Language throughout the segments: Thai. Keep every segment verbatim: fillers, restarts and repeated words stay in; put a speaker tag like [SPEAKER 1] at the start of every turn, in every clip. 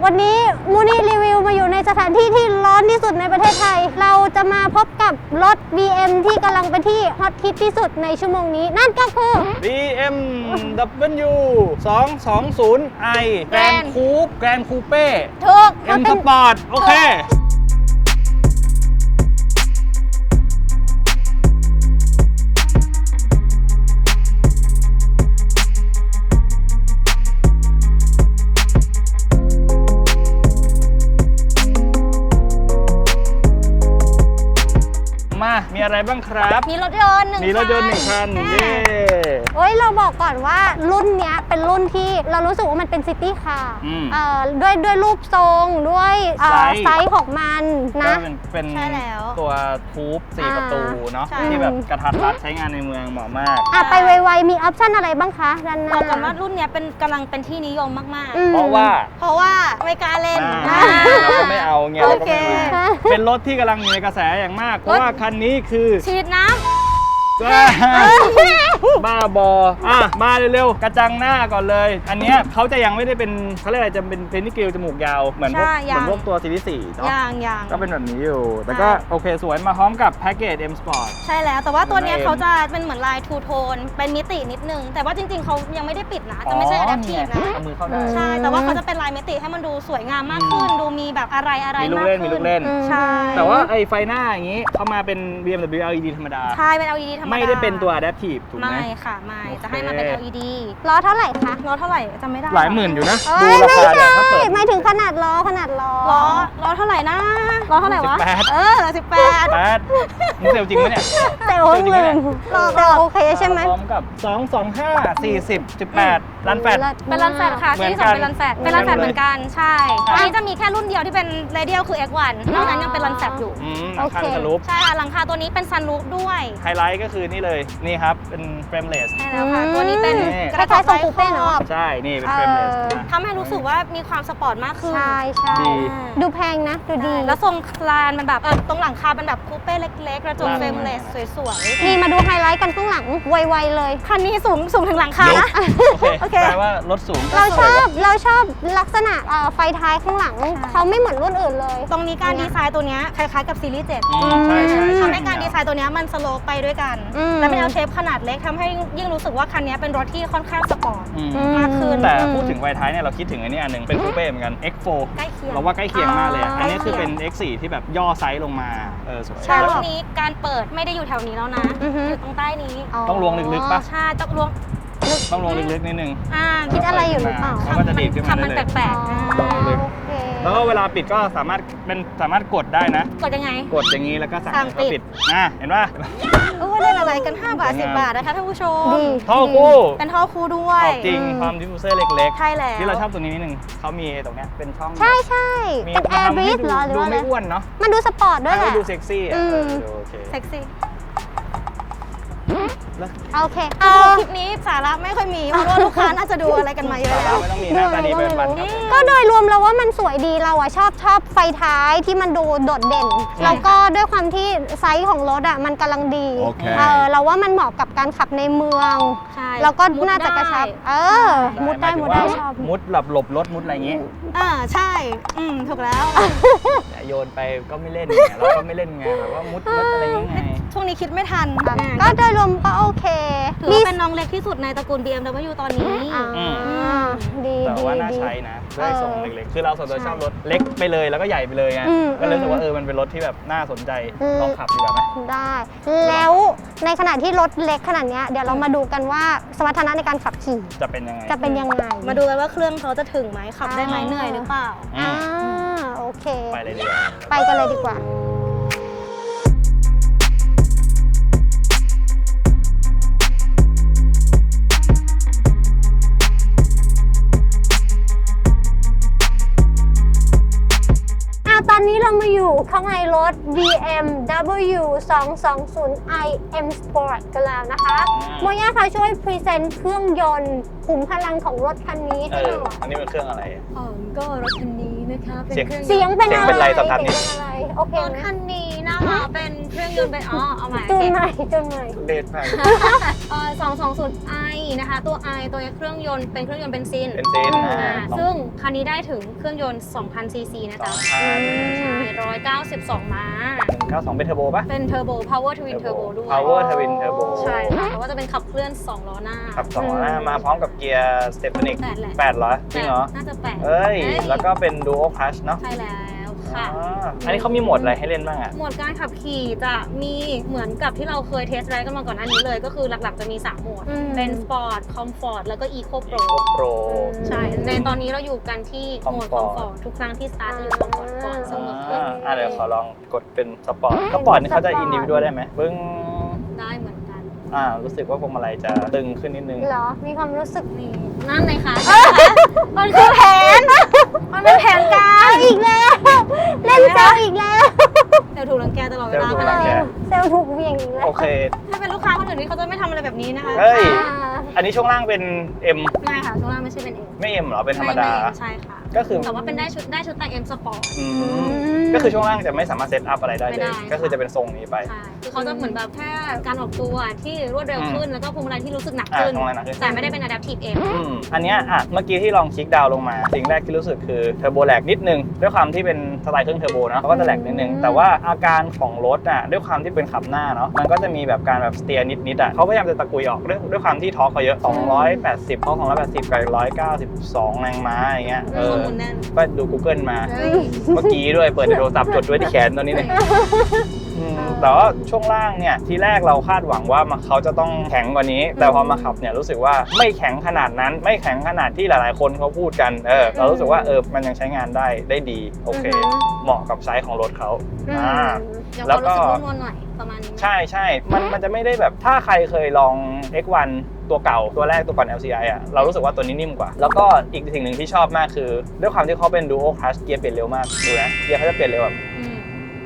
[SPEAKER 1] วันนี้มูนี่รีวิวมาอยู่ในสถานที่ที่ร้อนที่สุดในประเทศไทยเราจะมาพบกับรถ บี เอ็ม ที่กำลังเป็นที่ฮอตฮิตที่สุดในชั่วโมงนี้นั่นก็คือ
[SPEAKER 2] บี เอ็ม ดับเบิลยู สองสองศูนย์ ไอ แกรนด์คูปแกรนด์คูเป้
[SPEAKER 1] ถูก
[SPEAKER 2] เอ็มสปอร์ตโอเคมามีอะไรบ้างครับ
[SPEAKER 1] มีรถยนต์หนึ่ง
[SPEAKER 2] มีรถยนต์หนึ่งคันเย้
[SPEAKER 1] เฮ้ยเราบอกก่อนว่ารุ่นเนี้ยเป็นรุ่นที่เรารู้สึกว่ามันเป็นซิตี้คาร์เอ่อด้วยด้วยรูปทรงด้วยเอ่อไซส์ของมันนะ
[SPEAKER 2] ก็เป็นเป็น
[SPEAKER 1] ใช่แล้ว
[SPEAKER 2] ตัวทูบสี่
[SPEAKER 1] อ่า
[SPEAKER 2] ประตูเนาะ
[SPEAKER 1] ใช่
[SPEAKER 2] ที่แบบกระทัดรัดใช้งานในเมืองเหมาะมาก
[SPEAKER 1] อ่ะไปไวๆมีออปชั่นอะไรบ้างคะด้านห
[SPEAKER 3] บ
[SPEAKER 1] น้า
[SPEAKER 3] อกก่อนว่ารุ่นเนี้ยเป็นกำลังเป็นที่นิยมมาก
[SPEAKER 1] อืม
[SPEAKER 2] เพราะว่า
[SPEAKER 3] ๆ เพราะว่าไม่กล้าเล่น
[SPEAKER 2] อ่าเราก็ไม่เอาเงี้ยเราก็ไม่
[SPEAKER 3] โอเค
[SPEAKER 2] มาเป็นรถที่กำลังอยู่ในกระแสอย่างมาก เพราะว่าคันนี้คือ
[SPEAKER 3] ฉีดน้
[SPEAKER 2] บ้าบออ่ะมาเร็วๆกระจังหน้าก่อนเลย อันเนี้ยเขาจะยังไม่ได้เป็นเขาเรียกอะไรจะเป็นเพนนิกิลจมูกยาวเหมือนพวกเหมือนพวกตัวซีรีส์สี่
[SPEAKER 3] ำ
[SPEAKER 2] เนาะ
[SPEAKER 3] ยางยาง
[SPEAKER 2] ก็เป็นแบบนี้อยู่ แต่ก็โอเคสวยมาพร้อมกับแพ็กเกจ M Sport
[SPEAKER 3] ใช่แล้วแต่ว่าตัวเนี้ย
[SPEAKER 2] เอ็ม
[SPEAKER 3] เขาจะเป็นเหมือนลายทูโทนเป็นมิตินิดนึง แต่ว่าจริงๆเขายังไม่ได้ปิดนะจะไม่ใช่ adaptive นะ
[SPEAKER 2] เอามือเข้าได้
[SPEAKER 3] ใช่แต่ว่าเขาจะเป็นลายมิติให้มันดูสวยงามมากขึ้น ดูมีแบบอะไรอะไร
[SPEAKER 2] มีลูก
[SPEAKER 3] มาก
[SPEAKER 2] เล่นมี
[SPEAKER 3] ขึ้
[SPEAKER 2] ลู
[SPEAKER 3] น
[SPEAKER 2] กเล่น
[SPEAKER 3] ใช่
[SPEAKER 2] แต่ว่าไอ้ไฟหน้าอย่างนี้เข้ามาเป็น บี เอ็ม ดับเบิลยู แอล อี ดี ธรรมดา
[SPEAKER 3] ใช่เป็น แอล อี ดี ธรรมดา
[SPEAKER 2] ไม่ได้เป็นตัว Adaptive ถูกไหม
[SPEAKER 3] ไม่ค่ะไม่
[SPEAKER 2] โอเค
[SPEAKER 3] จะให้มาเป็น แอล อี ดี
[SPEAKER 1] ล้อเท่าไหร่คะ
[SPEAKER 3] ล้อเท่าไหร่จำไม่ได้
[SPEAKER 2] หลายหมื่นอยู่นะ
[SPEAKER 1] เอ้
[SPEAKER 2] ดู
[SPEAKER 1] ย
[SPEAKER 2] รา
[SPEAKER 1] ไม่
[SPEAKER 2] คา
[SPEAKER 1] ใช่
[SPEAKER 2] เนี่ยถ้าเปิด
[SPEAKER 1] หมายถึงขนาดล้อขนาดล้อ
[SPEAKER 3] ล้อล้อเท่าไหร่นะล้อเท่าไหร่วะ
[SPEAKER 2] สิบแปด
[SPEAKER 3] เออสิบแปด
[SPEAKER 2] แปดมึงเซลจริงไหมเนี่ย
[SPEAKER 1] เซลล์หนึ่งเซลล์โอเคใช่ไหม
[SPEAKER 2] พร้อมกับสอง สอง ห้า สี่สิบ สิบแปดล้านแปด
[SPEAKER 3] เป็นรันแฟตค่ะ
[SPEAKER 2] เหมือน
[SPEAKER 3] ที่
[SPEAKER 2] กั
[SPEAKER 3] สอง
[SPEAKER 2] น
[SPEAKER 3] เป็นรันแฟตเป็นรันแฟตเหมือนกันใช่อันนี้จะมีแค่รุ่นเดียวที่เป็นเรเดียลคือ เอ็กซ์ วัน นอกนั้นยังเป็นรันแฟตอยู่
[SPEAKER 2] อืมหลังคาเป็นสลูป
[SPEAKER 3] ใช่ค่ะหลังคาตัวนี้เป็นซันรูฟด้วย
[SPEAKER 2] ไฮไลท์ก็คือนี่เลย นี่ครับ เป็นเฟรมเลส
[SPEAKER 3] ใช่แล้วค่ะตัวนี้เป็น
[SPEAKER 2] นี่
[SPEAKER 3] กระ
[SPEAKER 1] คล้ายๆทรงคูเป้เนอะ
[SPEAKER 2] ใช่ นี่เป็นเฟรมเลส
[SPEAKER 1] เออ
[SPEAKER 3] ทำให้รู้สึกว่ามีความสปอร์ตมากขึ้น
[SPEAKER 1] ใช่ใช่
[SPEAKER 2] ดี
[SPEAKER 1] ดูแพงนะดูดี
[SPEAKER 3] แล้วทรงคลานมันแบบเออตรงหลังคาเป็นแบบคูเป้เล็กๆ กระจก
[SPEAKER 2] อืม
[SPEAKER 3] เฟรมเลสสวย
[SPEAKER 1] นี่มาดูไฮไลท์กันข้างหลังไวๆเลย
[SPEAKER 3] ๆคันนี้สูงสูงถึงหลังคานะ
[SPEAKER 2] โอเค
[SPEAKER 3] โอเค
[SPEAKER 2] แปลว่ารถสูง
[SPEAKER 1] เราชอบเราชอบลักษณะเอ่อไฟท้ายข้างหลังเขาไม่เหมือนรุ่นอื่นเลย
[SPEAKER 3] ตรงนี้การดีไซน์ตัวเนี้ยคล้ายๆกับซีรีส์เจ็ด
[SPEAKER 2] อืมใช่ใช่
[SPEAKER 3] ทำให้การดีไซน์ตัวเนี้ยมันสโลปไปด้วยกัน
[SPEAKER 1] อืม
[SPEAKER 3] และเป็น L shape ขนาดเล็กทำให้ยิ่งรู้สึกว่าคันนี้เป็นรถที่ค่อนข้างสปอร์ต
[SPEAKER 2] อืม
[SPEAKER 3] มากขึ้น
[SPEAKER 2] แต่พูดถึงไฟท้ายเนี่ยเราคิดถึงอันนี้อันหนึ่งเป็นคูเป้เหมือนกัน เอ็กซ์ โฟร์
[SPEAKER 3] ใกล้เคียง
[SPEAKER 2] เราว่าใกล้เคียงมากเลยอะ
[SPEAKER 3] อ่า
[SPEAKER 2] อันนี้คือเป็น
[SPEAKER 3] ใกล้เคียง
[SPEAKER 2] เอ็กซ์ โฟร์ ที่แบบย่อไซส์ลงมาเออสวย
[SPEAKER 3] ใช่
[SPEAKER 2] แล้ว
[SPEAKER 3] รุ่นนี้การเปิดไม่ได้อยู่แถวนี้แล้วนะ
[SPEAKER 1] อือฮึ
[SPEAKER 3] อยู่ตรงใต้นี้
[SPEAKER 2] ต้องลวงลึกๆปะ
[SPEAKER 3] ใช่ต้องลวง
[SPEAKER 2] ต้องลงลึกๆนิดนึง
[SPEAKER 3] อ่า
[SPEAKER 1] คิดอะไรอยู่หรือเปล่า
[SPEAKER 2] แล้วก็จะดีดขึ้นมา
[SPEAKER 3] ทำมัน
[SPEAKER 2] ได้เลย
[SPEAKER 3] แปลกๆอ่า
[SPEAKER 2] ลึก
[SPEAKER 1] โอเค
[SPEAKER 2] แล้วก็เวลาปิดก็สามารถเป็นสามารถกดได้นะ
[SPEAKER 3] กดยังไง
[SPEAKER 2] กดอย่างนี้แล้วก็สั่ง
[SPEAKER 3] สั่ง
[SPEAKER 2] ให้เขา
[SPEAKER 3] ปิ
[SPEAKER 2] ปิ
[SPEAKER 3] ด
[SPEAKER 2] ดอ่ะเห็นป่ะ
[SPEAKER 3] โอ้เล่นอะไรกันห้าบาทสิบบาทนะคะท่านผู้ชม
[SPEAKER 1] ดี
[SPEAKER 2] ท่อคู่
[SPEAKER 3] เป็นท่อคู่ด้ว
[SPEAKER 2] อย อกจริงความดิฟฟิวเซอร์เล็ก
[SPEAKER 3] ใช่แล้ว
[SPEAKER 2] ที่เราชอบตัวนี้นิดนึงเขามีตรงเนี้ยเป็นช่อง
[SPEAKER 1] ใช่ใช่
[SPEAKER 2] มี
[SPEAKER 1] เป็นแอร์บรีด
[SPEAKER 2] ทำให้
[SPEAKER 1] เหรอหรือ
[SPEAKER 2] ดู
[SPEAKER 1] ว่าอะไร
[SPEAKER 2] ไม่อ้วนเนาะ
[SPEAKER 1] มันดูสปอร์ตด้วยแห
[SPEAKER 2] ให้
[SPEAKER 1] ละ
[SPEAKER 2] ดูเซ็กซี่อ่ะ
[SPEAKER 1] อืม
[SPEAKER 2] เออดูโอเค
[SPEAKER 3] เซ็กซี่
[SPEAKER 2] แล้ว
[SPEAKER 1] โอเค
[SPEAKER 3] เอา
[SPEAKER 1] เอา
[SPEAKER 3] คลิปนี้สาระไม่ค่อยมีเพราะว่าลูกค้าน่าจะดูอะไรกันมาเยอะ
[SPEAKER 2] สา
[SPEAKER 3] แล้
[SPEAKER 2] ระ
[SPEAKER 3] ว
[SPEAKER 2] ไม่ต้องมีหน้าตาดีเป็นวันครับผม
[SPEAKER 1] ก็โดยรวมเราว่ามันสวยดีเราอะชอบชอบไฟท้ายที่มันดูโดดเด่น แล้วก็ด้วยความที่ไซส์ของรถอะมันกำลังดี
[SPEAKER 4] โอเค
[SPEAKER 1] เออเราว่ามันเหมาะกับการขับในเมือง
[SPEAKER 3] ใช่
[SPEAKER 1] แล้วก็
[SPEAKER 3] มุด
[SPEAKER 1] น่าจะกระชับ
[SPEAKER 3] ได้
[SPEAKER 1] เออ มุดได้มุดได้ชอบ
[SPEAKER 2] มุดหลบหลบรถมุดอะไรอย่างงี้
[SPEAKER 3] อ่าใช่ อืมถูกแล้ว
[SPEAKER 2] แต่โยนไปก็ไม่เล่นไงเราก็ไม่เล่นไงแบบว่ามุดมุดอะไรอย่างเงี้ยไง
[SPEAKER 3] ช่วงนี้คิดไม่ทัน
[SPEAKER 1] ก็โดยรวมก็โอเค
[SPEAKER 3] ถือว่าเป็นน้องเล็กที่สุดในตระกูล บี เอ็ม ดับเบิลยู ตอนนี้
[SPEAKER 1] อ่า
[SPEAKER 2] อืม
[SPEAKER 1] ดี
[SPEAKER 2] แต่
[SPEAKER 1] ดี
[SPEAKER 2] ว่าน่า
[SPEAKER 1] ดี
[SPEAKER 2] ใช้นะด้วยทรง
[SPEAKER 1] เออ
[SPEAKER 2] เล็กๆ คือเราส่วนตัว
[SPEAKER 1] ใช่
[SPEAKER 2] ชอบรถเล็กไปเลยแล้วก็ใหญ่ไปเลยไง
[SPEAKER 1] อืม
[SPEAKER 2] ก็เลยรู้สึกว่า
[SPEAKER 1] อืม
[SPEAKER 2] เออมันเป็นรถที่แบบน่าสนใจ
[SPEAKER 1] อืม
[SPEAKER 2] ลองขับดีกว่าไหม
[SPEAKER 1] ได้ แล้วในขณะที่รถเล็กขนาดเนี้ยเดี๋ยวเรามาดูกันว่าสมรรถนะในการขับขี่
[SPEAKER 2] จะเป็นยังไง
[SPEAKER 1] จะเป็นยังไง
[SPEAKER 3] มาดูกันว่าเครื่องเขาจะถึงไหมขับได้ไหม
[SPEAKER 1] อ่า
[SPEAKER 3] เหนื่อยหรือเปล่า
[SPEAKER 2] อื
[SPEAKER 1] อ่าม โอเค
[SPEAKER 2] ไปเลยดีกว่า
[SPEAKER 1] ไปกันเลยดีกว่า อ่ะตอนนี้เรามาอยู่ข้างในรถ บี เอ็ม ดับเบิลยู สองสองศูนย์ ไอ เอ็ม Sport กันแล้วนะคะโมย่าค่ะช่วยพรีเซนต์เครื่องยนต์ขุมพลังของรถคันนี้
[SPEAKER 2] เอ
[SPEAKER 1] ให้ห
[SPEAKER 2] อ
[SPEAKER 1] น่อย
[SPEAKER 2] อันนี้เป็นเครื่องอะไรอะ
[SPEAKER 5] อ๋อก็รถคันนี้นะ
[SPEAKER 3] นะคะ
[SPEAKER 2] เสียง
[SPEAKER 1] เสียงเป็น
[SPEAKER 2] เสียง
[SPEAKER 1] อะไร
[SPEAKER 2] เป็นไรสตาร์ทนิด
[SPEAKER 1] เสียงเป็นอะไรโอเค
[SPEAKER 3] รถ
[SPEAKER 1] ไหม
[SPEAKER 3] คันนี้นะคะเป็นเครื่องยนต์เป็นอ๋อเอาใหม่
[SPEAKER 1] จูนใหม่จูนใหม่
[SPEAKER 2] เลดมาก
[SPEAKER 3] เอ่อสองสองศูนย์ i นะคะ ตัว i ตัวเครื่องยนต์เป็นเครื่องยนต์เบนซิน
[SPEAKER 2] เป็นเซน
[SPEAKER 3] อ่า
[SPEAKER 2] อ่า
[SPEAKER 3] ซึ่งคันนี้ได้ถึงเครื่องยนต์ สองพัน ซี ซี นะ
[SPEAKER 2] สอ
[SPEAKER 3] จ๊ะ
[SPEAKER 2] งพัน
[SPEAKER 3] ใช่หนึ่งร้อยเก้าสิบสองม้า
[SPEAKER 2] หนึ่งเก้าสองเป็นเทอร์โบปะ
[SPEAKER 3] เป็นเทอร์โบ power twin turbo ด้วย
[SPEAKER 2] power twin turbo
[SPEAKER 3] ใช่ค่ะแต่ว่าจะเป็นขับเคลื่อนสองล้อหน้า
[SPEAKER 2] ขับสองล้อหน้ามาพร้อมกับเกียร์สเตปนิก
[SPEAKER 3] แปดแหละ
[SPEAKER 2] แปดเหรอจริงเหรอ
[SPEAKER 3] น่าจะแปด
[SPEAKER 2] เอ้ย แล้วก็เป็น dual clutch เนาะ
[SPEAKER 3] ใช่แล้วค่ะ
[SPEAKER 2] อ๋ออันนี้เขามีโหมดอะไรให้เล่นบ้างอ่ะ
[SPEAKER 3] โหมดการขับขี่จะมีเหมือนกับที่เราเคยเทสไรด์กันมาก่อนหน้านี้เลย ก็คือหลักๆจะมีสามโหมด
[SPEAKER 1] อืม
[SPEAKER 3] เป็น Sport Comfort แล้วก็ Eco Pro
[SPEAKER 2] Eco Pro
[SPEAKER 3] ใช่ ในตอนนี้เราอยู่กันที่โหมด
[SPEAKER 2] Comfort
[SPEAKER 3] Comfort ทุกครั้งที่สตาร์ทจะอยู่ Comfort ก่อนเสมอ
[SPEAKER 2] อ่าอ่ะเดี๋ยวขอลองกดเป็นสปอร์ตสปอร์ตนี่เขาจะอินดิวิวได้ไหมปึ้ง
[SPEAKER 3] ได้เหมือนกัน
[SPEAKER 2] อ่ารู้สึกว่าพวงมาลัยจะตึงขึ้นนิดนึง
[SPEAKER 1] เหรอ มีความรู้สึก
[SPEAKER 3] นี่นั่นเลยค่ะ มันคือแผน มันเป็นแผนการ
[SPEAKER 1] อีกแล้ว เล่นเซลล์อีกแล้ว
[SPEAKER 3] เดี๋ยวถูกรังแกตลอดเวลา
[SPEAKER 2] เดี๋ยวถู
[SPEAKER 3] ข
[SPEAKER 2] ก
[SPEAKER 3] นา
[SPEAKER 2] รั
[SPEAKER 3] ด
[SPEAKER 2] งแก
[SPEAKER 3] นี้
[SPEAKER 1] เซลล์ถูกเหวี่ยงอีกแล้ว
[SPEAKER 2] โอเค
[SPEAKER 3] ถ้าเป็นลูกค้าคนอื่นนี่เขาจะไม่ทำอะไรแบบนี้นะคะ
[SPEAKER 2] เฮ้ย
[SPEAKER 1] อ่า
[SPEAKER 2] อันนี้ช่วงล่างเป็น M
[SPEAKER 3] ไม่ค่ะช่วงล่างไม่ใช่เป็นเอง
[SPEAKER 2] ไม่ M เหรอ เป็นธรรมดา
[SPEAKER 3] ใช่ค่ะ
[SPEAKER 2] ก็คือ
[SPEAKER 3] แต่ว่าเป็นได้ชุดได้ชุดแต่ง M Sport
[SPEAKER 2] อืมก็คือช่วงล่างจะไม่สามารถเซตอัพอะไรได้
[SPEAKER 3] ไม่
[SPEAKER 2] เล
[SPEAKER 3] ได้
[SPEAKER 2] ย ก็คือจะเป็นทรงนี้ไป
[SPEAKER 3] ใช่คือเขาจะเหมือนแบบแค่การออกตัวที่รวดเร็วขึ้น แล้วก็พวงมาลัยที่รู้สึกหนัก
[SPEAKER 2] อ่า
[SPEAKER 3] ขึ้น
[SPEAKER 2] พวงมาลัยหนักขึ้น
[SPEAKER 3] แต่ไม่ได้เป็น adaptive M
[SPEAKER 2] อืมอันเนี้ยอ่ะเมื่อกี้ที่ลองคลิกดาวน์ลงมา สิ่งแรกที่รู้สึกคือเทอร์โบแลกนิดนึง ด้วยความที่เป็นสไตล์เครื่องเทอร์โบเนาะเขาก็จะแลกนิดนึง แต่ว่าอาการของรถอ่ะด้วยความที่เป็นขับหน้าเนาะมันก็จะมีแบบการแบบสเตียร์นิดๆอ่ะเขาพยายามจะตะกุยออกด้วยด้วยความที่ทอร์คเขาเยอะสองร้อยแปดสิบเขาสองร้อยแปดสิบกับหนึ่งร้อยเก้าสิบสองแรงม้าอย่างเงี้ยเอ
[SPEAKER 3] ข้อ
[SPEAKER 2] อ
[SPEAKER 3] มูลแน่น
[SPEAKER 2] ก็ดู Google มา
[SPEAKER 3] เฮ้ย
[SPEAKER 2] เมื่อกี้ด้วยเปิดในโทรศัพท์จดไว้ที่แขนตอนนี้เนี่ยอืมแต่ว่าช่วงล่างเนี่ยทีแรกเราคาดหวังว่ามันเขาจะต้องแข็งกว่านี้ แต่พอมาขับเนี่ยรู้สึกว่าไม่แข็งขนาดนั้น ไม่แข็งขนาดที่หลายๆคนเขาพูดกันเออเรารู้สึกว่าเออมันยังใช้งานได้ได้ดีโอเค
[SPEAKER 1] อือฮึ
[SPEAKER 2] เหมาะกับไซส์ของรถเขา
[SPEAKER 1] อืม
[SPEAKER 2] อ่า
[SPEAKER 3] เดี๋ยว
[SPEAKER 2] แล้ว
[SPEAKER 3] เขา
[SPEAKER 2] ก็
[SPEAKER 3] รู้สึกนุ่มนวลหน่อยประมาณนี้ไหม
[SPEAKER 2] ใช่ใช่มันมันจะไม่ได้แบบถ้าใครเคยลอง เอ็กซ์ วัน ตัวเก่าตัวแรกตัวก่อน แอล ซี ไอ อ่ะเรารู้สึกว่าตัวนี้นิ่มกว่า แล้วก็อีกสิ่งหนึ่งที่ชอบมากคือด้วยความที่เขาเป็น Dual Clutch เกียร์เปลี่ยนเร็วมากดูนะเกียร์เขาจะเปลี่ยนเร็วแบบ
[SPEAKER 3] อืม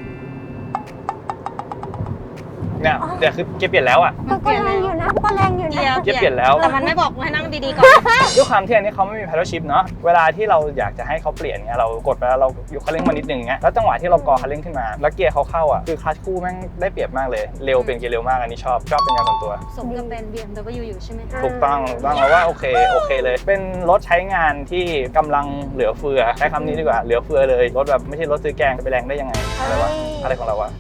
[SPEAKER 2] เนี่ยเดี๋ยวคือเกียร์เปลี่ยนแล้วอ่ะ
[SPEAKER 1] ก็ก็แรงอยู่นะก็แรงอยู่
[SPEAKER 3] เกีย
[SPEAKER 1] นะ
[SPEAKER 3] ร์
[SPEAKER 2] เกียร์เปลี่ยนแล้ว
[SPEAKER 3] แต่มันไม่บอกให้นั่งดีๆก่อน
[SPEAKER 2] ด้วยความที่อันนี้เขาไม่มี paddle shift เนาะเวลาที่เราอยากจะให้เขาเปลี่ยนเงี้ยเรากดไปแล้วเราอยู่คันเร่งมานิดนึงเงี้ยแล้วจังหวะที่เรากอคันเร่งขึ้นมาแล้วเกียร์เขาเข้าอ่ะคือคลัตช์คู่แม่งได้เปรียบมากเลยเร็วเป็นเกียร์เร็วมากอันนี้ชอบชอบเป็นงานส่วนตัว
[SPEAKER 3] สมกับเป็น บี เอ็ม ดับเบิลยู อยู่ใช่ไหมคะ
[SPEAKER 2] ถูกต้องถูกต้องแล้วว่าโอเคโอเคเลย เป็นรถใช้งานที่กำลังเหลือเฟือใช้คำนี้ดีกว่าเหลือเฟือเลยรถแบบไม่ใช่รถซื้อแกงจะไปแรงได้ยังไงอะไรวะอะไรของเราวะ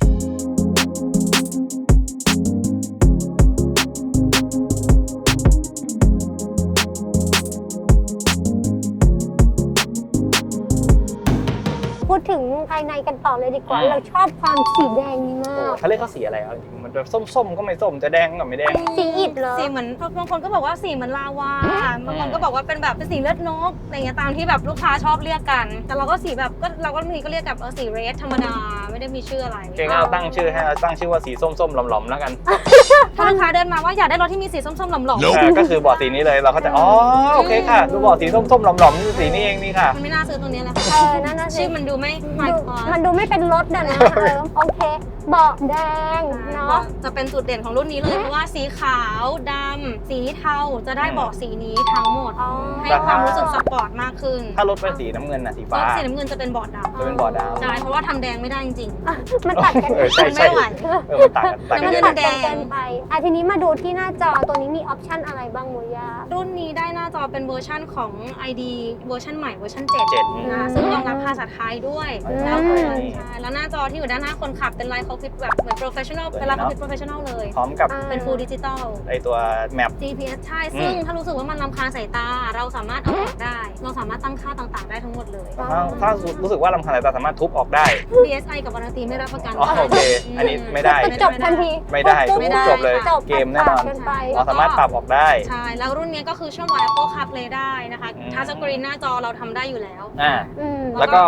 [SPEAKER 1] พูดถึงภายในกันต่อเลยดีกว่า
[SPEAKER 2] อ่า
[SPEAKER 1] เราชอบความสีแดงนี้มาก
[SPEAKER 2] เขาเรียกเขาสีอะไรอ่ะจริงๆมันแบบส้มๆก็ไม่ส้มจะแดงก็ไม่แดง
[SPEAKER 1] สีอิฐเหรอ
[SPEAKER 3] สีเหมือนบางคนก็บอกว่าสีเหมือนลาวาบางคนก็บอกว่าเป็นแบบเป็นสีเลือดนกอะไรเงี้ยตามที่แบบลูกค้าชอบเรียกกัน แต่เราก็สีแบบก็เราก็มีก็เรียกกับเออสีเรดธรรมดาไม่ได้มีชื่ออะไร
[SPEAKER 2] เก่งเอาตั้งชื่อให้เราตั้งชื่อว่าสีส้มๆหลอมๆแล้วกัน
[SPEAKER 3] ถ้าลูกค้าเดินมาว่าอยากได้รถที่มีสีส้มๆหล่อม
[SPEAKER 2] เออก็คือบอร์ดสีนี้เลยเราก็จะอ๋อโอเคค่ะดูบอร์ดสีส้มๆหลอมๆคือสีนี้เองนี่ค่ะ
[SPEAKER 3] ๆมันไม่น่าซื้อตัวนี้แหละ
[SPEAKER 1] เออนั่นน่ะสิ
[SPEAKER 3] ชื่อมันดูไม่ไฮ
[SPEAKER 1] ดู
[SPEAKER 3] คลาส
[SPEAKER 1] มันดูไม่เป็นรถอะนะเออโอเคเบาะแดงเนาะ
[SPEAKER 3] จะเป็นจุดเด่นของรุ่นนี้เลยเพราะว่าสีขาวดำสีเทาจะได้เบาะสีนี้ทั้งหมด
[SPEAKER 1] อ๋อ
[SPEAKER 3] ให้ความรู้สึกสปอร์ตมากขึ้น
[SPEAKER 2] ถ้ารถเป็นสีน้ำเงินน่ะสี
[SPEAKER 3] ร
[SPEAKER 2] ฟ้า
[SPEAKER 3] ถสีน้ำเงินจะเป็นเบาะดำ
[SPEAKER 2] จะเป็นบอร์ดดาว
[SPEAKER 3] ใช่เพราะว่าทำแดงไม่ได้จริง
[SPEAKER 1] อ่ะมันตัดกัน
[SPEAKER 2] เออใช่
[SPEAKER 3] มันไม่
[SPEAKER 2] ใช่
[SPEAKER 3] ไหว
[SPEAKER 2] เออมันต่างกันต่างกันเยอะ
[SPEAKER 3] มั
[SPEAKER 2] นะ
[SPEAKER 3] นแดง
[SPEAKER 1] เกินไปอ่ะทีนี้มาดูที่หน้าจอตัวนี้มีออปชันอะไรบ้างมุยา
[SPEAKER 3] ๆ รุ่นนี้ได้หน้าจอเป็นเวอร์ชั่นของ ไอ ดี เวอร์ชันใหม่เวอร์ชันเจ็ด
[SPEAKER 2] เจ็ด
[SPEAKER 3] นะซึ่งรองรับภาษาไทยด้วย
[SPEAKER 2] อืม
[SPEAKER 3] แล้วก็ใช่แล้วหน้าจอที่อยู่ด้านหน้าคนขับเป็นไลท์คอพิทแบบเหมือนโปรเฟชชั่นอลเป็นไลท์คอพิทโปรเฟชชั่นอลเลย
[SPEAKER 2] พร้อมกับ
[SPEAKER 3] เป็น full digital
[SPEAKER 2] ไอตัวแมป
[SPEAKER 3] จี พี เอส ใช่
[SPEAKER 2] อืม
[SPEAKER 3] ซึ่งถ้ารู้สึกว่ามันรำคาญสายตา เราสามารถเอาออกได้ เราสามารถตั้งค่าต่างๆ ได้ทั้งหมดเลย
[SPEAKER 2] ถ้าถ้ารู้สึกว่าลำคาญสายตาสามารถทุบออกได้
[SPEAKER 3] ดี เอส ไอ กับวารันตีไม่รับประกัน
[SPEAKER 2] อ๋อโอเคอันนี้ไม่ได้
[SPEAKER 1] จบทันที
[SPEAKER 2] ไม่ได้
[SPEAKER 1] ปุ๊บ
[SPEAKER 2] ทุบ
[SPEAKER 1] ปุ๊บ
[SPEAKER 2] จบเลย
[SPEAKER 1] จบ
[SPEAKER 2] เกมแน่นอน
[SPEAKER 1] เกินไป
[SPEAKER 2] เราสามารถปรับออกได้
[SPEAKER 3] ใช่ แล้วรุ่นนี้ก็คือเชื่อมต่อ Apple CarPlay ได้นะคะ
[SPEAKER 2] อืม
[SPEAKER 3] ทัชสกรีนหน้าจอเราทำได้อยู่แล้ว
[SPEAKER 2] อ่า
[SPEAKER 1] อืม
[SPEAKER 2] แล้วก็อันนี้ก็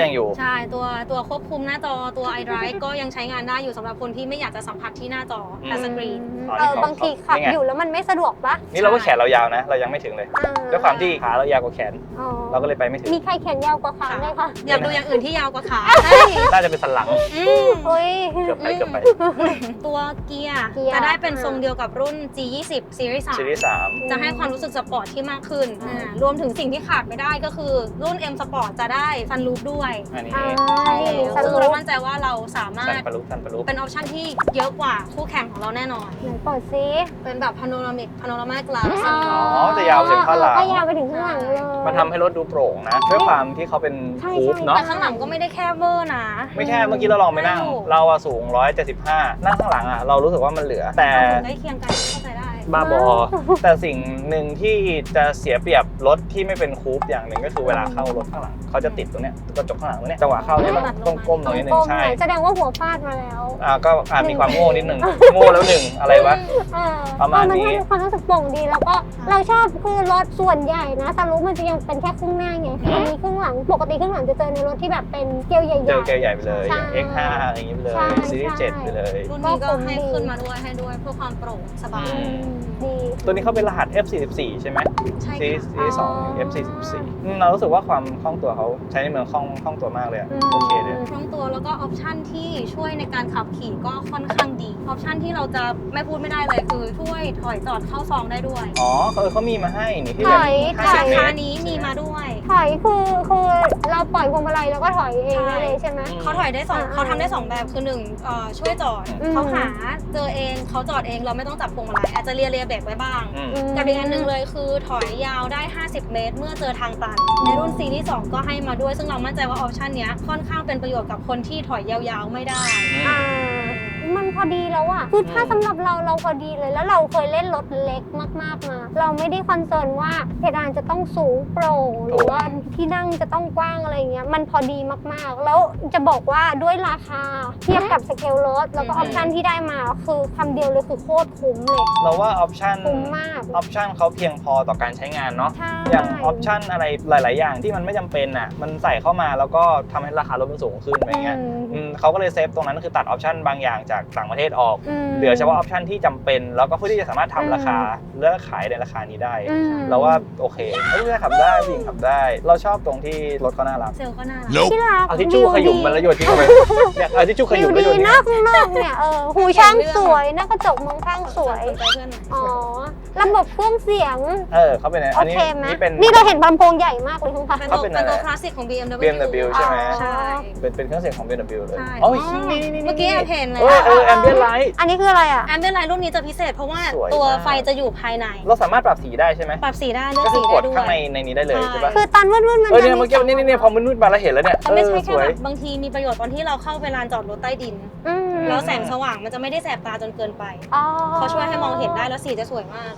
[SPEAKER 2] ยังอยู่
[SPEAKER 3] ใช่ตัวตัวควบคุมหน้าจอตัว iDrive ก็ยังใช้งานได้อยู่สำหรับคนที่ไม่อยากจะสัมผัสที่หน้าจอทัชสกรีน
[SPEAKER 1] เออบางทีขับอยู่แล้วมันไม่สะดวกปะ
[SPEAKER 2] นี่เราก็แขนเรายาวนะเรายังไม่ถึงเลยด้วยความที่ขาเรายาวกว่าแขนเราก็เลยไปไม่ถึง
[SPEAKER 1] มีใครแขนยาวกว่าขาไหมคะ
[SPEAKER 3] อยากดูอย่างอื่นที่ยาวกว่าขา
[SPEAKER 2] น่าจะเป็นสันหลัง
[SPEAKER 1] เฮ้ย
[SPEAKER 2] เกือบไปเกือบไป
[SPEAKER 3] ตัวเกียร์จะได้เป็นทรงเดียวกับรุ่น จี ยี่สิบ Series สาม
[SPEAKER 2] Series สาม
[SPEAKER 3] จะให้ความรู้สึกสปอร์ตที่มากขึ้นรวมถึงสิ่งที่ขาดไม่ได้ก็คือรุ่น M Sport จะได้ซันรูฟด้วย
[SPEAKER 2] อันนี้
[SPEAKER 3] ใช่ซึ่งเรามั่นใจว่าเราสามารถ
[SPEAKER 2] ซันปะลุซันปะลุ
[SPEAKER 3] เป็นออปชั่นที่เยอะกว่าคู่แข่งของเราแน่นอน
[SPEAKER 1] ไหนเปิดซิ
[SPEAKER 3] เป็นแบบพาโนรามิกพาโนรามา กลาส
[SPEAKER 2] อ๋อจะยาวถึงข้างหลัง
[SPEAKER 1] ก็ยาวไปถึงข้างหลังเลย
[SPEAKER 2] มันทำให้รถดูโปร่งนะด้วยความที่เขาเป็นคูปเนาะ
[SPEAKER 3] แต่ข้างหลังก็ไม่ได้แคบเวอร์นะ
[SPEAKER 2] ไม่แค่เมื่อกี้เราลองไปนั่งเราอะสูงหนึ่งร้อยเจ็ดสิบห้านั่งข้างหลังอะเรารู้สึกว่ามันเหลือแต่
[SPEAKER 3] ใกล้เคียงกันเข้าใจได้
[SPEAKER 2] บ้าบอแต่สิ่งหนึ่งที่จะเสียเปรียบรถที่ไม่เป็นคูปอย่างหนึ่งก็คือเวลาเข้ารถข้างหลังเขาจะติดตรงเนี้ยกระจกข้างหลังตรงเนี้ยจังหวะเข้าเนี่ยต้องก้มหน่อยนึงใช่
[SPEAKER 1] แสดงว่าหัวฟาดมาแล้ว
[SPEAKER 2] อ่าก็อาจมีความโง่นิดนึงโง่แล้วหนึ่งอะไรวะประมาณนี้
[SPEAKER 1] มันให้ความรู้สึกโปร่งดีแล้วก็เราชอบคือรถส่วนใหญ่นะซันรูฟมันจะยังเป็นแค่ครึ่งหน้าไงอันนี้ครึ่งหลังปกติครึ่งหลังจะเจอในรถที่แบบเป็นเกลียวใหญ่ๆ
[SPEAKER 2] เจอเกลียวใหญ่ไปเลย เอ็กซ์ ห้า อะไรอย่างงี้ไปเลยซีรีส์เจ็ดไปเลย
[SPEAKER 3] รุ่นนี้ก็ให้ขึ้นมาด้วยให้ด้วยเพื่อความโปร่งสบาย
[SPEAKER 1] ดี
[SPEAKER 2] ตัวนี้เขาเป็นรหัส เอฟ สี่สิบสี่ ใช่ไหม
[SPEAKER 3] ใช่
[SPEAKER 2] ซีรีส์สอง เอฟ สี่สิบสี่ เรารู้สึกว่าความคล่องตัวเขาใช้ในเมืองคล่องคล่องตัวมากเลยโอเคเลย
[SPEAKER 3] คล่องตัวแล้วก็ออปชั่นที่ช่วยในการขับขี่ก็ค่อนข้างดีออปชั่นที่เราจะไม่พูดไม่ได้เลยคือช่วยถอยจอดเข้าซองได้ด้วย
[SPEAKER 2] อ๋อเขาเขามีมาให้นี่ที่
[SPEAKER 1] ถอยถอย
[SPEAKER 3] ค่านี้มีมาด้วย
[SPEAKER 1] ถอยคือคือเราปล่อยพวงมาลัยแล้วก็ถอยเองได้เลยใช่ไหม
[SPEAKER 3] เขาถอยได้สองเขาทำได้สองแบบคือหนึ่งช่วยจอดเขาหาเจอเองเขาจอดเองเราไม่ต้องจับพวงมาลัยอาจจะเลียเลียเบรกไว้บ้างกับอีกอันหนึ่งเลยคือถอยยาวได้ห้าสิบเมตรเมื่อเจอทางตันในรุ่นซีรีส์สองก็ให้มาด้วยซึ่งเรามั่นใจว่าออปชันนี้ค่อนข้างเป็นประโยชน์กับคนที่ถอยยาวๆไม่ได้
[SPEAKER 1] มันพอดีแล้วอะคือถ้าสำหรับเราเราพอดีเลยแล้วเราเคยเล่นรถเล็กมากๆมาเราไม่ได้คอนเซิร์นว่าเพดานจะต้องสูงโปร่งหรือว่าที่นั่งจะต้องกว้างอะไรเงี้ยมันพอดีมากๆแล้วจะบอกว่าด้วยราคาเทียบกับสเกลรถแล้วก็ออปชันที่ได้มาคือคำเดียวเลยคือโคตรคุ้มเลย
[SPEAKER 2] เราว่าออปชัน
[SPEAKER 1] คุ้มมาก
[SPEAKER 2] ออปชันเขาเพียงพอต่อการใช้งานเนาะอย่างออปชันอะไรหลายๆอย่างที่มันไม่จำเป็นอ่ะมันใส่เข้ามาแล้วก็ทำให้ราคารถมันสูงขึ้นอะไรเงี้ยเขาก็เลยเซฟตรงนั้นคือตัดออปชันบางอย่างจากต่างประเทศออกเหลือเฉพาะออปชันที่จำเป็นแล้วก็เพื่อที่จะสามารถทำราคาเลือกขายในราคานี้ได้เราว่าโอเคไม่ได้ขับได้ผู้หญิงขับได้เราชอบตรงที่รถเขาน่ารัก
[SPEAKER 3] เซลก็น่ารัก
[SPEAKER 1] ที่รัก
[SPEAKER 2] เอาทิชชู่ขยุ่มมันแล้วโยนทิ้งไปเนี่ยเอาทิชชู่ขยุ่มแล้วโยน
[SPEAKER 1] หน้าข้างนอกเนี่ยเออหูช่างสวยหน้ากระจกมองข้างสวยอ๋อระบบเครื่องเสียง
[SPEAKER 2] เออเขาเป็นอันนี้
[SPEAKER 1] นี่เป็นนี่เราเห็นลำโพงใหญ่มากเลยคุณคะ
[SPEAKER 3] เขาเป็นตัวคลาสสิกของ บี เอ็ม ดับเบิลยู
[SPEAKER 2] บี เอ็ม ดับเบิลยู ใช่ไหม
[SPEAKER 3] ใช่
[SPEAKER 2] เป็นเป็นเครื่องเสียงของ บี เอ็ม ดับเบิลยู เลย
[SPEAKER 3] อ๋อเมื่อกี้แอมเห็นเลย
[SPEAKER 2] เออแอมเบียนไลท์
[SPEAKER 1] อันนี้คืออะไรอ่ะ
[SPEAKER 3] แอมเบียนไลท์รุ่นนี้จะพิเศษเพราะว่าตัวไฟจะอยู่ภายใน
[SPEAKER 2] เราสามารถปรับสีได้ใช่ไหม
[SPEAKER 3] ปรับสีได้เลือกสีได้ด้วย
[SPEAKER 2] ก็คือกดข้างในในนี้ได้เลยใช่ปะ
[SPEAKER 1] คือตอนมืดๆมัน
[SPEAKER 2] เออเนี่ยเมื่อกี้นี่นี่พอมืดๆมาแล้วเห็นแล้วเนี่ย
[SPEAKER 3] ไม่ใช่แค่แบบบางทีมีประโยชน์ตอนที่เราเข้าไปลานจอดรถใต้ดินแล้วแสงสว่างมันจะไม่ได้แสบตาจนเกินไปเขาช่วยให้มองเห็นได้แล้วสีจะสวยมาก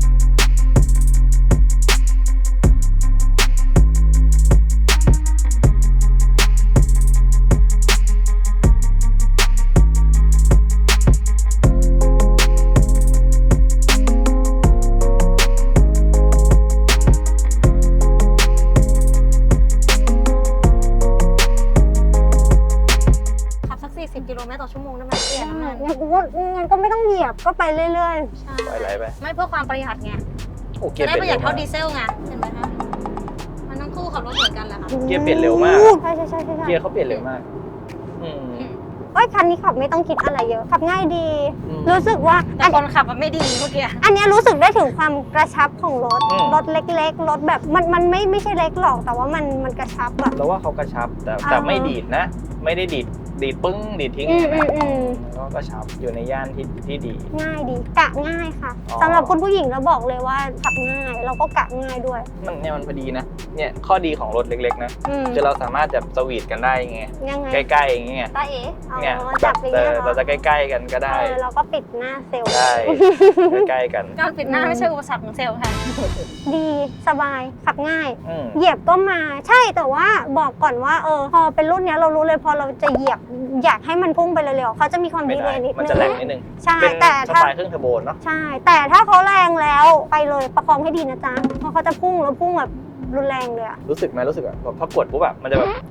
[SPEAKER 3] กิโลเมตรต่อชั่วโมงได้ไหมเปลี่ยน
[SPEAKER 1] งั้นงั้นก็ไม่ต้องเหยียบก็ไปเรื่อย
[SPEAKER 3] ๆใช่
[SPEAKER 2] ไปไรไป
[SPEAKER 3] ไม่เพื่อความประหยัดไงจะได้ประหยัดเท่าดีเซลไงเห็นไหมคะมันทั้งคู่ขับรถเหมือนกันแหละค่ะ
[SPEAKER 2] เกียร์เปลี่ยนเร็วมาก
[SPEAKER 1] ใช่ใช่ใช่ใช่
[SPEAKER 2] เกียร์เขาเปลี่ยนเร็วมากอืม
[SPEAKER 1] โอ้ยคันนี้ขับไม่ต้องคิดอะไรเยอะขับง่ายดีรู้สึกว่า
[SPEAKER 3] แต่คนขับมันไม่ดีเมื่อกี้
[SPEAKER 1] อันนี้รู้สึกได้ถึงความกระชับของรถรถเล็กๆรถแบบมันมันไม่ไม่ใช่เล็กหรอกแต่ว่ามันมันกระชับอะ
[SPEAKER 2] เราว่าเขากระชับแต่แต่ไม่ดีดนะไม่ได้ดีดดีดปึ้งดีดทิ้งก็กระชับอยู่ในย่านที่ที่ดี
[SPEAKER 1] ง่ายดีกะง่ายค่ะสำหรับคุณผู้หญิงเราบอกเลยว่าขับง่ายเราก็กะง่ายด้วย
[SPEAKER 2] มันเนี่ยมันพอดีนะเนี่ยข้อดีของรถเล็กๆนะคือเราสามารถจะสวีทกันได้ไงใกล้ๆอย่างเงี้ย
[SPEAKER 1] ตาเอ๋
[SPEAKER 2] เนี่ยจับเราจะใกล้ๆกันก็ได้
[SPEAKER 1] เราก็ปิดหน้าเซลล์
[SPEAKER 2] ได้ใกล้ๆกัน
[SPEAKER 3] การปิดหน้าไม่ใช่อุปสรรคของเซลล์ค่ะ
[SPEAKER 1] ดีสบายขับง่ายเหยียบก็มาใช่แต่ว่าบอกก่อนว่าเออพอเป็นรุ่นนี้เรารู้เลยพอเราจะเหยียบอยากให้มันพุ่งไปเร็วๆเขาจะมีความดีเลยนิดนึง
[SPEAKER 2] มันจะแรงนิดนึง
[SPEAKER 1] ใช่แต่
[SPEAKER 2] ถ้าเครื่องเทอร์โบเนาะ
[SPEAKER 1] ใช่แต่ถ้าเขาแรงแล้วไปเลยประคองให้ดีนะจ๊ะเพราะเขาจะพุ่งแล้วพุ่งแบบรุนแรงเลยอะ
[SPEAKER 2] รู้สึกไหมรู้สึกแบบพอกดปุ๊บแบบมันจะแบบอ่ะ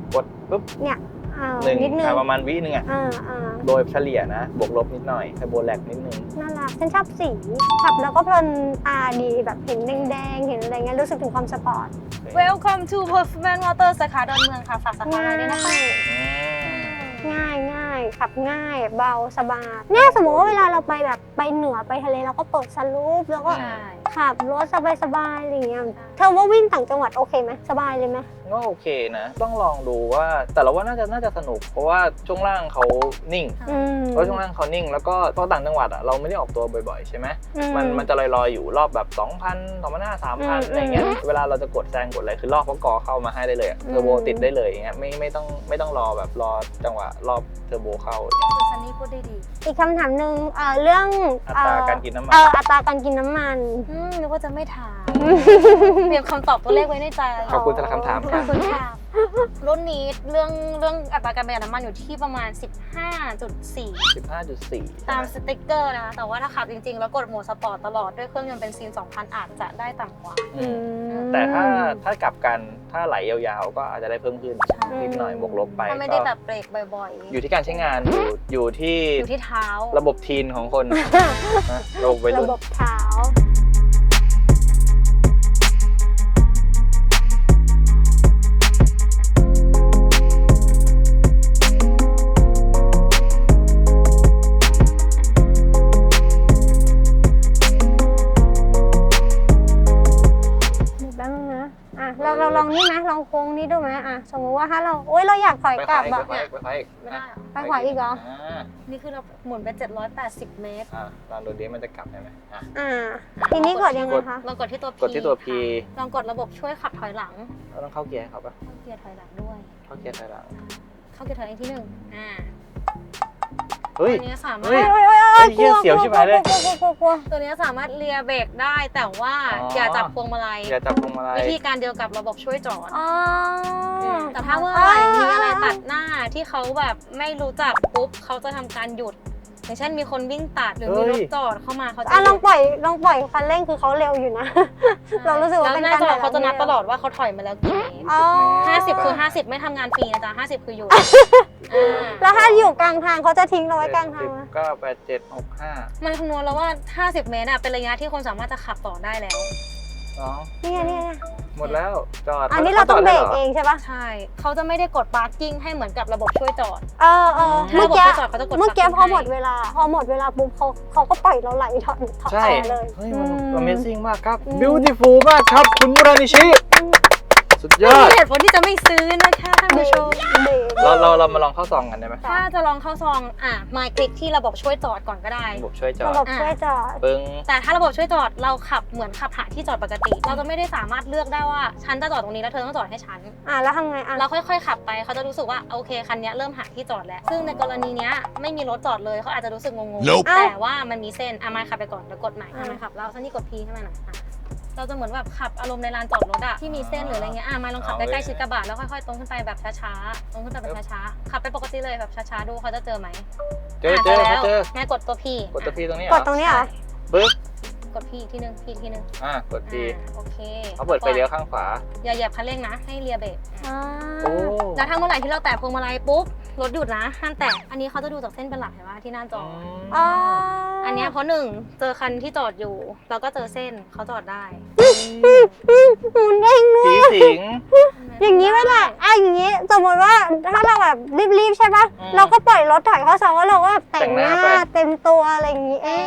[SPEAKER 2] กดปุ๊บ
[SPEAKER 1] เนี่ยอ่า
[SPEAKER 2] หนึ่ง
[SPEAKER 1] นิดนึง
[SPEAKER 2] อ่ะประมาณวินึงอ่ะ
[SPEAKER 1] อ่าอ่า
[SPEAKER 2] โดยเฉลี่ยนะบวกลบนิดหน่อยไฮโบแลกนิดนึง
[SPEAKER 1] น่ารักฉันชอบสีขับแล้วก็เพลินตาดีแบบเห็นแดงๆเห็นอะไรเงี้ยรู้สึกถึงความสปอร์ต
[SPEAKER 3] Welcome to Performance Motor สาขาดอนเมืองค่ะฝากสาขาอะไรด้วยนะคะ
[SPEAKER 2] อืม
[SPEAKER 1] ง่ายง่ายขับง่ายเบาสบายเนี่ยสมมติว่าเวลาเราไปแบบไปเหนือไปทะเลเราก็เปิดสลูปแล้วก็
[SPEAKER 3] ใช่
[SPEAKER 1] ขับรถสบายๆอะไรเงี้ยเธอว่าวิ่งต่างจังหวัดโอเคไหมสบายเลยไหม
[SPEAKER 2] ก็โอเคนะ ต้องลองดูว่าแต่เราว่าน่าจะน่าจะสนุก เพราะว่าช่วงล่างเขานิ่ง
[SPEAKER 1] อืม
[SPEAKER 2] เพราะช่วงล่างเขานิ่ง แล้วก็ตอนต่างจังหวัดอ่ะเราไม่ได้ออกตัวบ่อยๆใช่ไหม
[SPEAKER 1] อื
[SPEAKER 2] มันมันจะลอยๆอยู่รอบแบบ สองพัน สองพันห้าร้อย สามพัน
[SPEAKER 1] อืม
[SPEAKER 2] อะไรเงี้ย
[SPEAKER 1] อืม
[SPEAKER 2] เวลาเราจะกดแซงกดอะไรคือรอบเขากอเข้ามาให้ได้เลยอะ
[SPEAKER 1] อืม
[SPEAKER 2] เทอร์โบติดได้เลยอย่างเงี้ยไม่ไม่ต้องไม่ต้องรอแบบรอจังหวะรอบเทอร์โบเข้าอย่างเงี้ย
[SPEAKER 3] คุณซันนี่พูดได้ดี
[SPEAKER 1] อีกคำถามหนึ่งเอ่อเรื่อง
[SPEAKER 2] อัตราการกินน้ำมัน
[SPEAKER 1] เอออัตราการกินน้ำมัน
[SPEAKER 3] อืมนึกว่าจะไม่ถาม เตรียมคำตอบตัวเลขไว้ในใจ
[SPEAKER 2] ขอบคุณสำหรับคำถาม
[SPEAKER 3] ข
[SPEAKER 2] ค
[SPEAKER 3] อ
[SPEAKER 2] รั
[SPEAKER 3] บบ คุณค่ะ รุ่นนี้เรื่องเรื่องอัตราการประหยัดน้ำมันอยู่ที่ประมาณ สิบห้าจุดสี่
[SPEAKER 2] สิบห้าจุดสี่
[SPEAKER 3] ตามสติ๊กเกอร์นะ แต่ว่าถ้าขับจริงๆ แล้วกดโหมดสปอร์ตตลอดด้วยเครื่องยนต์เบนซิน สองพัน อาจจะได้ต่ำกว่า
[SPEAKER 2] อืม
[SPEAKER 1] อืม
[SPEAKER 2] แต่ถ้าถ้ากลับกันถ้าไหลยาวๆ ก็อาจจะได้เพิ่มขึ้น
[SPEAKER 3] ใช่
[SPEAKER 2] นิดหน่อยบวกลบไป
[SPEAKER 3] ถ้าไม่ได้
[SPEAKER 2] ก็
[SPEAKER 3] แบบเบรกบ่อยๆ
[SPEAKER 2] อยู่ที่การใช้งานอยู่อยู่ที่
[SPEAKER 3] อยู่ที่เท้า
[SPEAKER 2] ระบบทีนของคนนะระบบวัย
[SPEAKER 1] ระ
[SPEAKER 2] รุ่น
[SPEAKER 1] บบเท้าเดี๋ยวแป๊บนึงนะอ่ะเราเราลองนี่ไหมลองโค้งนี้ดูไหมอ่ะสมมติว่าถ้าเราโอ๊ยเราอยากถอย
[SPEAKER 2] ไป
[SPEAKER 1] กลับ
[SPEAKER 2] ไป
[SPEAKER 1] อะ
[SPEAKER 2] ไปไปไป
[SPEAKER 3] ไม่ได้เหรอ
[SPEAKER 1] ไปขวาอีกเหรอ
[SPEAKER 2] อ่า
[SPEAKER 3] นี่คือเราหมุนไป เจ็ดร้อยแปดสิบ เมตร
[SPEAKER 2] อ่าลองดูดิมันจะกลับได้ไหมอ่ะ
[SPEAKER 1] อ่าทีนี้กดยังไงคะ
[SPEAKER 3] ลองกดที่ตัว P
[SPEAKER 2] กดที่ตัว P
[SPEAKER 3] ค่ะลองกดระบบช่วยขับถอยหลัง
[SPEAKER 2] เราต้องเข้าเกียร์ให้เขาปะ
[SPEAKER 3] เข้าเกียร์ถอยหลังด้วย
[SPEAKER 2] เข้าเกียร์ถอยหลัง
[SPEAKER 3] เข้าเกียร์ถอยหลังที่หนึ่งอ่า
[SPEAKER 2] เฮ้ย
[SPEAKER 3] ตัวนี้สามารถ
[SPEAKER 2] เฮ้ย
[SPEAKER 1] โอ๊ยโอ๊ยโอ๊ย
[SPEAKER 2] เฮ้ยเหี้ยเสียวชิบหายเลย
[SPEAKER 1] กลัวกลัวกลัวกลัว
[SPEAKER 3] ตัวนี้สามารถเลียเบรกได้แต่ว่า
[SPEAKER 2] อ๋อ
[SPEAKER 3] อ
[SPEAKER 2] อ
[SPEAKER 3] ย่าจับพวงมาลัย
[SPEAKER 2] อย่าจับพวงมาลัย
[SPEAKER 3] วิธีการเดียวกับระบบช่วยจอด
[SPEAKER 1] อ๋อ
[SPEAKER 3] แต่ถ้าเมื่อไหร่มีอะไรตัดหน้าที่เขาแบบไม่รู้จักปุ๊บเขาจะทำการหยุด อย่างเช่นมีคนวิ่งตัดหรือมีรถจอดเข้ามาเขาจะ
[SPEAKER 1] อ่ะ
[SPEAKER 3] ห
[SPEAKER 1] ล
[SPEAKER 3] ยุ
[SPEAKER 1] อง
[SPEAKER 3] ด
[SPEAKER 1] ปล่อยลองปล่อยคันเร่งคือเขาเร็วอยู่นะ เรารู้สึกว่า
[SPEAKER 3] แล้ว
[SPEAKER 1] เป็น
[SPEAKER 3] หน้า
[SPEAKER 1] การ
[SPEAKER 3] จอ
[SPEAKER 1] ถอยหลัง
[SPEAKER 3] เขาจะนับ
[SPEAKER 1] เร็ว
[SPEAKER 3] ตลอดว่าเขาถอยมาแล้วกี่เมตร
[SPEAKER 1] อ๋อ
[SPEAKER 3] ห้าสิบคือห้าสิบไม่ทำงานฟรีนะจ๊ะห้าสิบคืออยู่อ่า
[SPEAKER 1] แล้วถ้าอยู่กลางทางเขาจะทิ้งเราไว้กลางทางไหม
[SPEAKER 2] เก้าแปดเจ็ดหกห้า
[SPEAKER 3] มันคำนวณแล้วว่า ห้าสิบ เมตรอะเป็นระยะที่คนสามารถจะขับต่อได้แล้ว
[SPEAKER 2] สอง
[SPEAKER 1] นี่ไงนี่ไง
[SPEAKER 2] หมดแล้วจอด
[SPEAKER 1] อันนี้เราต้องเบรก
[SPEAKER 2] ขาจด
[SPEAKER 1] เอ
[SPEAKER 2] ได้ห
[SPEAKER 1] งใช่ปะ
[SPEAKER 3] ใช่ เขาจะไม่ได้กด parking ให้เหมือนกับระบบช่วยจอด
[SPEAKER 1] เออเออ
[SPEAKER 3] ถ้า
[SPEAKER 1] เมื่อ
[SPEAKER 3] ระบบ
[SPEAKER 1] กี้
[SPEAKER 3] ช่วยจอดเขาจะกด
[SPEAKER 1] เมื่อกี้
[SPEAKER 3] parking
[SPEAKER 1] พอหมด
[SPEAKER 3] ให้
[SPEAKER 1] เวลา พอหมดเวลาปุ๊บเขาเขาก็ปล่อยเราไหลถอดถอด
[SPEAKER 2] ใช่
[SPEAKER 1] ต่อเลย
[SPEAKER 2] เฮ้ยมัน
[SPEAKER 1] อืม
[SPEAKER 2] Amazing มากครับ
[SPEAKER 1] อืม
[SPEAKER 2] Beautiful มากครับ คุณมุรานิชิ สุดยอด
[SPEAKER 3] มีเหตุผลที่จะไม่ซื้อนะคะท่านผู้ชม
[SPEAKER 1] เบรก
[SPEAKER 2] เราเราเรามาลองเข้าซองกันได้ไหม
[SPEAKER 3] ถ้าจะลองเข้าซองอ่ะมาคลิกที่ระบบช่วยจอดก่อนก็ได้
[SPEAKER 2] ระบบช่วยจอ
[SPEAKER 1] ระ
[SPEAKER 2] ด
[SPEAKER 1] บบช่วยจอด
[SPEAKER 2] ปึ้ง
[SPEAKER 3] แต่ถ้าระบบช่วยจอดเราขับเหมือนขับหาที่จอดปกติ เราจะไม่ได้สามารถเลือกได้ว่าฉันจะจอดตรงนี้แล้วเธอต้องจอดให้ฉัน
[SPEAKER 1] อ่ะแล้วทำไงอ่ะ
[SPEAKER 3] เราค่อยๆขับไปเขาจะรู้สึกว่าโอเคคันนี้เริ่มหาที่จอดแล้ว ซึ่งในกรณีเนี้ยไม่มีรถจอดเลยเขาอาจจะรู้สึกงงๆแต่ว่ามันมีเส้นอามาขับไปก่อนแล้วกดใหม่อามาขับแล้วซันนี่กดพีให้มันหน่อยอ่ะเราจะเหมือนแบบขับอารมณ์ในลานจอดรถอะที่มีเส้นหรืออะไรเงี้ยอ่ะมาลองขับใกล้ๆชิดกระบะแล้วค่อยๆตรงขึ้นไปแบบช้าๆตรงขึ้นไปแบบช้าๆขับไปปกติเลยแบบช้าๆดูเขาจะเจอไหม
[SPEAKER 2] เจอเจอ
[SPEAKER 3] แล้ว
[SPEAKER 2] เจอ
[SPEAKER 3] แม่กดตัวพี
[SPEAKER 2] กดตัวพีตรงนี้เห
[SPEAKER 1] ก
[SPEAKER 2] รอ
[SPEAKER 1] ดตรงนี้เหรอ
[SPEAKER 2] ปึ๊บ
[SPEAKER 3] กดพีทีนึงพีทีนึง
[SPEAKER 2] อ่ากดพี
[SPEAKER 3] อ่าโอเค
[SPEAKER 2] เขาเปิดไฟเลี้ยวข้างขวา
[SPEAKER 3] อย่าเหยียบคันเร่งนะให้เลียเบรก
[SPEAKER 1] อ่า
[SPEAKER 2] โอ้
[SPEAKER 3] แล้วถ้าเมื่อไหร่ที่เราแตะพวงมาลัยปุ๊บรถหยุดนะห้ามแตะอันนี้เขาจะดูจากเส้นเป็นหลักเห็นไหมที่หน้าจอ
[SPEAKER 1] อ๋อ
[SPEAKER 3] อันเนี้ยเพราะหนึ่งเจอคันที่จอดอยู่เราก็เจอเส้นเขาจอดได้
[SPEAKER 1] หมุนเองด้ว
[SPEAKER 2] ผี
[SPEAKER 1] ย
[SPEAKER 2] สิง
[SPEAKER 1] อย่างนี้เวลาอ่ะอย่างนี้สมมติว่าถ้าเราแบบรีบๆใช่ปะ
[SPEAKER 2] อืม
[SPEAKER 1] เราก็ปล่อยรถถอยเข้าซองแล้วเราก็แต่งหน้า
[SPEAKER 2] แต่งหน้าไป
[SPEAKER 1] เต็มตัวอะไรอย่างนี้เอง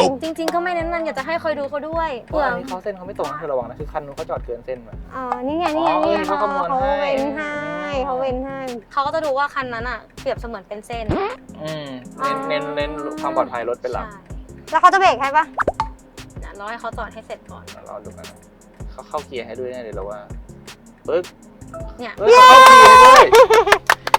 [SPEAKER 3] จริง ๆ ก็ไม่แนะนำอยากจะให้คอยดูเขาด้วย
[SPEAKER 2] เพราะ
[SPEAKER 3] เผื่อ
[SPEAKER 2] อันนี้เขาเส้นเขาไม่ตรงนะเธอระวังนะคือคันนู้นเขาจอดเกินเส้นมา
[SPEAKER 1] อ๋อนี่ไงนี่ไง
[SPEAKER 2] อ๋อ
[SPEAKER 1] นี่ไง
[SPEAKER 2] เขาคำนวณ
[SPEAKER 1] เขา
[SPEAKER 2] ให้
[SPEAKER 1] เว้นให้เขาเว้นให้
[SPEAKER 3] เขาก็จะดูว่าคันนั้นอ่ะเปรียบเสมือนเป็นเส้น
[SPEAKER 2] อืมเน้นเน้นเน้นความปลอดภัยรถเป็นหลัก
[SPEAKER 3] ใช่
[SPEAKER 1] แล้วเขาจะเบรกให้ปะ
[SPEAKER 3] เดี๋ยวรอให้เขาจอดให้เสร็จก่อน
[SPEAKER 2] เราดูกันนะเขาเข้าเกียร์ให้ด้วยแน่เลยเราว่าปึ๊ก
[SPEAKER 3] เนี่ย
[SPEAKER 2] เฮ้ยเขาเข้าเกียร์ให้ด้วย
[SPEAKER 3] ใช่ถ้า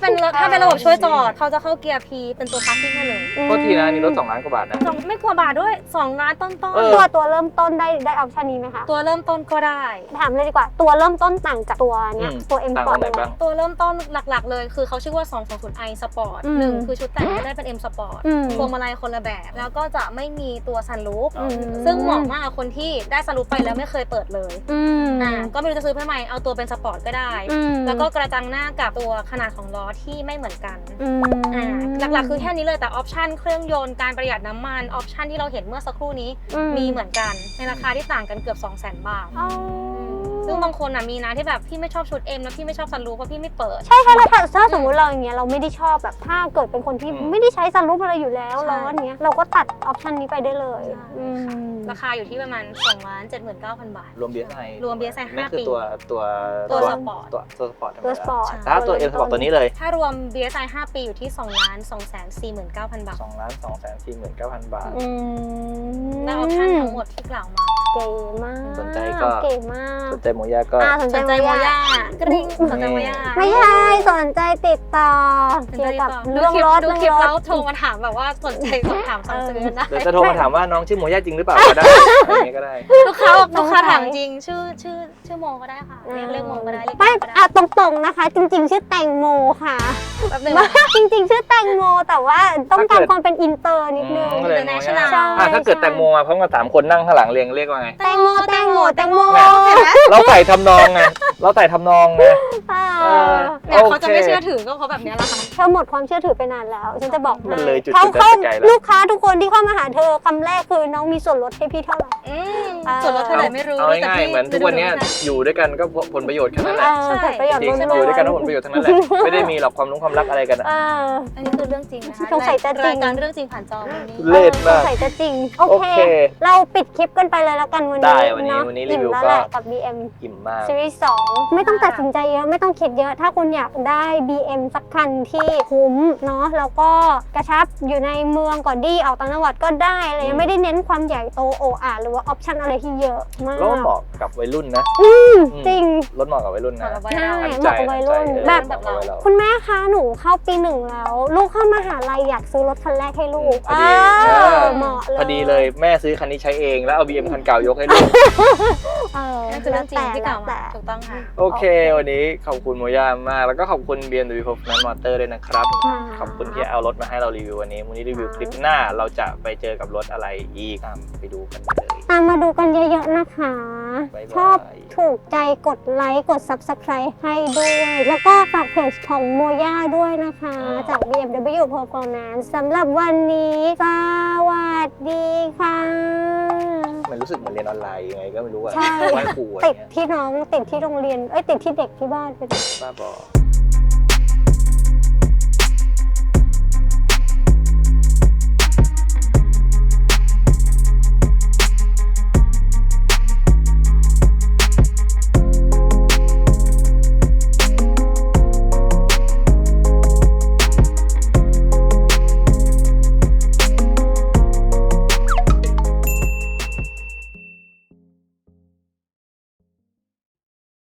[SPEAKER 3] เป็นถ้าเป็นระบบช่วยจอดเขาจะเข้าเกียร์ P เป็นตัว parking ให้เลย
[SPEAKER 2] โทษทีนะนี่รถสองล้านกว่าบาทนะ
[SPEAKER 3] สองไม่กลัวบาทด้วยสองล้านต้น
[SPEAKER 2] เออ
[SPEAKER 1] ตัวตัวเริ่มต้นได้ได้ออปชันนี้ไหมคะ
[SPEAKER 3] ๆตัวเริ่มต้นก็ได้
[SPEAKER 1] ถามเลยดีกว่าตัวเริ่มต้นต่างจากตัวเนี้ย
[SPEAKER 2] อืม
[SPEAKER 1] ตัว M
[SPEAKER 2] ต่าง
[SPEAKER 1] Sport
[SPEAKER 2] ตรงไหน
[SPEAKER 1] ยังไง
[SPEAKER 2] บ้าง
[SPEAKER 3] ตัวเริ่มต้นหลักๆเลยคือเขาชื่อว่า สองสองศูนย์ i Sport
[SPEAKER 1] อืม
[SPEAKER 3] หนึ่งคือชุดแต่งไม่ได้เป็น M Sport
[SPEAKER 1] อืม
[SPEAKER 3] พวงมาลัยคนละแบบ แล้วก็จะไม่มีตัวซันรูฟ
[SPEAKER 1] อืม
[SPEAKER 3] ซึ่งเหมาะมากกับคนที่ได้ซันรูฟไปแล้วไม่เคยเปิดเลย
[SPEAKER 1] อืม
[SPEAKER 3] อ่าก็ไม่รู้จะซื้อเพื่อไหมเอาตัวเป็นสปอร์ตก็ได้
[SPEAKER 1] อืม
[SPEAKER 3] แล้วก็กระจังหน้ากับตัวขนาดของล้อที่ไม่เหมือนกัน
[SPEAKER 1] อืม
[SPEAKER 3] อ่าหลักๆคือแค่นี้เลยแต่ออปชันเครื่องยนต์การประหยัดน้ำมันออปชันที่เราเห็นเมื่อสักครู่นี้
[SPEAKER 1] อืม
[SPEAKER 3] มีเหมือนกันในราคาที่ต่างกันเกือบ สองแสน บาท
[SPEAKER 1] อ๋อ
[SPEAKER 3] ซึ่งบางคนอ่ะมีนะที่แบบพี่ไม่ชอบชุด M แล้วพี่ไม่ชอบซันรูฟเพราะพี่ไม่เปิด
[SPEAKER 1] ใช่ใช่แล้วถ้าถ้าสมมติเราอย่างเงี้ยเราไม่ได้ชอบแบบถ้าเกิดเป็นคนที่
[SPEAKER 2] อืม
[SPEAKER 1] ไม่ได้ใช้ซันรูฟอะไรอยู่แล้ว
[SPEAKER 3] ใช่
[SPEAKER 1] ล้อเนี้ยเราก็ตัดออปชันนี้ไปได้เลย
[SPEAKER 3] ใช่
[SPEAKER 1] อืม
[SPEAKER 3] ราคาอยู่ที่ประมาณ สองล้านเจ็ดหมื่นเก้าพัน บาท
[SPEAKER 2] รวม บี เอส ไอ
[SPEAKER 3] รวม บี เอส ไอ
[SPEAKER 2] นั่น
[SPEAKER 3] ห้า
[SPEAKER 2] คือ
[SPEAKER 3] ปี
[SPEAKER 2] ตัวตัว
[SPEAKER 3] ตัวสปอร์ต
[SPEAKER 2] ตัวตัวสปอร์ตธรรม
[SPEAKER 1] ตัว
[SPEAKER 2] ดา
[SPEAKER 1] สปอร์ต
[SPEAKER 2] ถ้าตัว M สปอร์ตตัวนี้เลย
[SPEAKER 3] ถ้ารวม บี เอส ไอ ห้าปีอยู่ที่ สองล้านสองแสนสี่หมื่นเก้าพัน บาท
[SPEAKER 2] สองล้านสองแสนสี่หมื่นเก้าพันบาท
[SPEAKER 1] อืม
[SPEAKER 3] และออปชันทั้งหมดที่กล่าวมา
[SPEAKER 1] เก๋มาก
[SPEAKER 2] สนใจก็
[SPEAKER 1] เก๋มาก
[SPEAKER 2] สนใจโมย่าก็
[SPEAKER 1] อ่าสน
[SPEAKER 3] ส
[SPEAKER 1] ใจ
[SPEAKER 3] นใจ
[SPEAKER 1] โม
[SPEAKER 3] โม
[SPEAKER 1] ย่า
[SPEAKER 3] ย่ากริ๊งสนใจโมย่า
[SPEAKER 1] ไม่ใช่สนใจติดต่อ
[SPEAKER 3] สน
[SPEAKER 1] เกี่
[SPEAKER 3] ใจ
[SPEAKER 1] ยวกับ
[SPEAKER 3] ต่อ
[SPEAKER 1] เรื่องรถ
[SPEAKER 3] ดู
[SPEAKER 1] เรื่อง
[SPEAKER 3] คลิป
[SPEAKER 1] ร
[SPEAKER 3] แล้ว
[SPEAKER 1] ถ
[SPEAKER 3] โทรมาถามแบบว่าสนใจสอบถามสั่งซื้อนะ
[SPEAKER 2] เดี๋ยวจะโทรมาถามว่าน้องชื่อโมย่าจริงหรือเปล่าก็ได้อะไรอย่างเงี้ยก็ได้
[SPEAKER 3] ลูกค้าบอก
[SPEAKER 1] สงสัย
[SPEAKER 3] ลูกค้าถามจริงชื่อชื่อชื่อโมก็ได้ค่ะเรียกเรียกโมก็ได้เรียก
[SPEAKER 1] ไม่
[SPEAKER 3] โมก็ได้
[SPEAKER 1] อ่ะตรงๆนะคะ จริง ๆ ชื่อแตงโมค่ะ
[SPEAKER 3] แป๊บนึง
[SPEAKER 1] จริง ๆ ชื่อแตงโมแต่ว่าต้องการความเป็นอินเตอร์นิดนึง
[SPEAKER 2] อืมก็เลย
[SPEAKER 3] International
[SPEAKER 1] ใช่
[SPEAKER 2] อ่ะถ้าเกิดแตงโมมาพร้อมกับสามคนนั่งข้างหลังเรียงเรียกว่าไง
[SPEAKER 1] แตงโมแตงโมแตงโม
[SPEAKER 2] เนี่ย
[SPEAKER 3] เห็นไหม
[SPEAKER 2] เราใส่ทำนองไงเราใส่ทำนองไง
[SPEAKER 1] เออ
[SPEAKER 3] เนี่ยเขาจะไม่เชื่อถือก็เพราะแบบเนี้ยแหละค่ะ
[SPEAKER 1] เธอหมดความเชื่อถือไปนานแล้ว ฉันจะบอกให้
[SPEAKER 2] มันเลยจุด
[SPEAKER 1] เขา
[SPEAKER 2] จุดนั้น
[SPEAKER 1] เขา
[SPEAKER 2] ไปไกลแล้ว
[SPEAKER 1] ลูกค้าทุกคนที่เข้ามาหาเธอคำแรกคือน้องมีส่วนลดให้พี่เท่าไหร่
[SPEAKER 3] อืม
[SPEAKER 1] เออ
[SPEAKER 3] ส่วนลดเท่าไหร่ไม่รู้
[SPEAKER 2] เอา
[SPEAKER 3] แต่
[SPEAKER 2] ง่าย
[SPEAKER 3] พี่
[SPEAKER 2] ๆเหมือนทุกวันเนี้ยอยู่ด้วยกันก็ผลประโยชน์แค่นั้นแห
[SPEAKER 1] เอ
[SPEAKER 2] ละ
[SPEAKER 1] อผลประโยชน์
[SPEAKER 2] จริง
[SPEAKER 1] ล้วนๆ
[SPEAKER 2] อยู่ด้วยกันก็ผลประโยชน์ทั้งนั้นแหละไม่ได้มีหรอกความรู้ความรักอะไรกันอะ
[SPEAKER 1] เออ
[SPEAKER 3] อันนี้คือเรื่องจริงนะคะ
[SPEAKER 1] สงสัยจะจริง
[SPEAKER 3] รายการเรื่องจริงผ่านจอวันนี้
[SPEAKER 2] เล่นมาก
[SPEAKER 1] ออสงสัยจะจริง โอ
[SPEAKER 2] โอ
[SPEAKER 1] เค
[SPEAKER 2] เค
[SPEAKER 1] เราปิดคลิปกันไปเลยแล้วกันวัน
[SPEAKER 2] ได้
[SPEAKER 1] นี้
[SPEAKER 2] วันนี้
[SPEAKER 1] เนาะ
[SPEAKER 2] วันนี้รีวิว
[SPEAKER 1] อิ่มแล้ว
[SPEAKER 2] ก็
[SPEAKER 1] แหละกับ บี เอ็ม
[SPEAKER 2] อิ่มมาก
[SPEAKER 1] Series สองไม่ต้องตัดสินใจเยอะไม่ต้องคิดเยอะ ถ้าคุณอยากได้ บี เอ็ม สักคันที่คุ้มเนาะแล้วก็กระชับอยู่ในเมืองก็ดีออกต่างจังหวัดก็ได้อะไร
[SPEAKER 2] อืม
[SPEAKER 1] ไม่ได้เน้นความใหญ่โตโออาหรือว่าออปชั่นอะไรที่เยอะมาก
[SPEAKER 2] รถเหมาะกับวัยรุ่นนะ
[SPEAKER 1] จริง
[SPEAKER 2] รถเหมาะกับวัยรุ่นนะ
[SPEAKER 3] เหมาะกับวัย
[SPEAKER 1] ใช่
[SPEAKER 3] เรา
[SPEAKER 1] เหมาะกับวัยรุ่น
[SPEAKER 2] เออ
[SPEAKER 1] แบบ
[SPEAKER 2] เหมาะกับวัยเรา
[SPEAKER 1] คุณแม่คะหนูเข้าปีหนึ่งแล้ว ลูกเข้ามหาลัยอยากซื้อรถคันแรกให้ลูก
[SPEAKER 2] พอดี
[SPEAKER 1] เอ
[SPEAKER 2] เอ
[SPEAKER 1] อ
[SPEAKER 2] อ
[SPEAKER 1] เหมาะเลย
[SPEAKER 2] พอดีเลยแม่ซื้อคันนี้ใช้เองแล้วเอา บี เอ็ม คันเก่ายกให้ลูก
[SPEAKER 1] เออ
[SPEAKER 3] นั่นคือเรื่องจริงที่กล่าว
[SPEAKER 1] แต่
[SPEAKER 3] มาถูกต้องค่ะ
[SPEAKER 2] โอเค วันนี้ขอบคุณโมย่ามาก แล้วก็ขอบคุณ บี เอ็ม ดับเบิลยู Performance Motor ด้วยนะครับ ขอบคุณที่เอารถมาให้เรารีวิววันนี้วันนี้รีวิวคลิปหน้าเราจะไปเจอกับรถอะไรอีกตามไปดูกันเลย
[SPEAKER 1] ตามมาดูกันเยอะๆนะคะ
[SPEAKER 2] บ๊ายบาย
[SPEAKER 1] ชอบถูกใจกดไลค์กด Subscribe ให้ด้วย แล้วก็ฝากเพจของโมย่าด้วยนะคะ จาก บี เอ็ม ดับเบิลยู Performance สำหรับวันนี้สวัสดีค่ะ
[SPEAKER 2] มันรู้สึกเหมือนเรียนออนไลน์ยังไงก็ไม่รู้อะ
[SPEAKER 1] ใช่
[SPEAKER 2] ไหว้ครูอะไร
[SPEAKER 1] ติด
[SPEAKER 2] เงี้ย
[SPEAKER 1] ที่น้องติดที่โรงเรียน เอ้ยติดที่เด็กที่บ้านไปเลย
[SPEAKER 2] บ้าบอ